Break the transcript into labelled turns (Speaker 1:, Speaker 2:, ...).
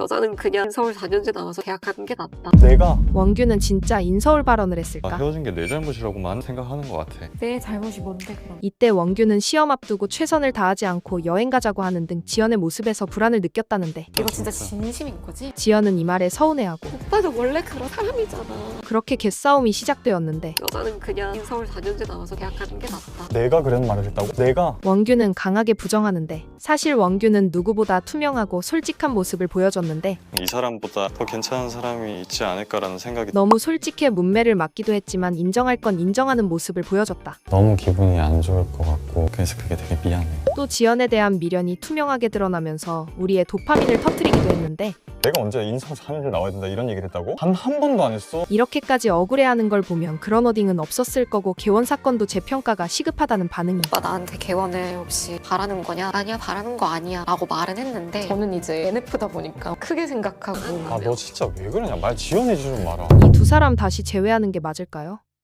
Speaker 1: 여자는 그냥 서울 4년제 나와서 계약하는 게 낫다.
Speaker 2: 내가
Speaker 3: 원규는 진짜 인서울 발언을 했을까?
Speaker 4: 헤어진 게 내 잘못이라고만 생각하는 것 같아.
Speaker 1: 내 잘못이 뭔데 그럼?
Speaker 3: 이때 원규는 시험 앞두고 최선을 다하지 않고 여행 가자고 하는 등 지연의 모습에서 불안을 느꼈다는데
Speaker 1: 이거 진짜 진심인 거지?
Speaker 3: 지연은 이 말에 서운해하고
Speaker 1: 오빠는 원래 그런 사람이잖아.
Speaker 3: 그렇게 개싸움이 시작되었는데
Speaker 1: 여자는 그냥 서울 4년제 나와서 계약하는 게 낫다.
Speaker 2: 내가 그런 말을 했다고? 내가
Speaker 3: 원규는 강하게 부정하는데 사실 원규는 누구보다 투명하고 솔직한 모습을 보여줬는데
Speaker 4: 이 사람보다 더 괜찮은 사람이 있지 않을까라는 생각이
Speaker 3: 너무 솔직해 문매를 맞기도 했지만 인정할 건 인정하는 모습을 보여줬다.
Speaker 4: 너무 기분이 안 좋을 것 같고 그래서 그게 되게 미안해.
Speaker 3: 또 지연에 대한 미련이 투명하게 드러나면서 우리의 도파민을 터뜨리기도 했는데
Speaker 2: 내가 언제 인성 4년제 나와야 된다 이런 얘기를 했다고? 한 번도 안 했어.
Speaker 3: 이렇게까지 억울해하는 걸 보면 그런 워딩은 없었을 거고 개원 사건도 재평가가 시급하다는 반응이
Speaker 1: 오빠 나한테 개원을 혹시 바라는 거냐? 아니야 바라는 거 아니야 라고 말은 했는데 저는 이제 NF다 보니까 크게 생각하고
Speaker 2: 아 너 진짜 왜 그러냐? 말 지어내지 좀 마라.
Speaker 3: 이 두 사람 다시 제외하는 게 맞을까요?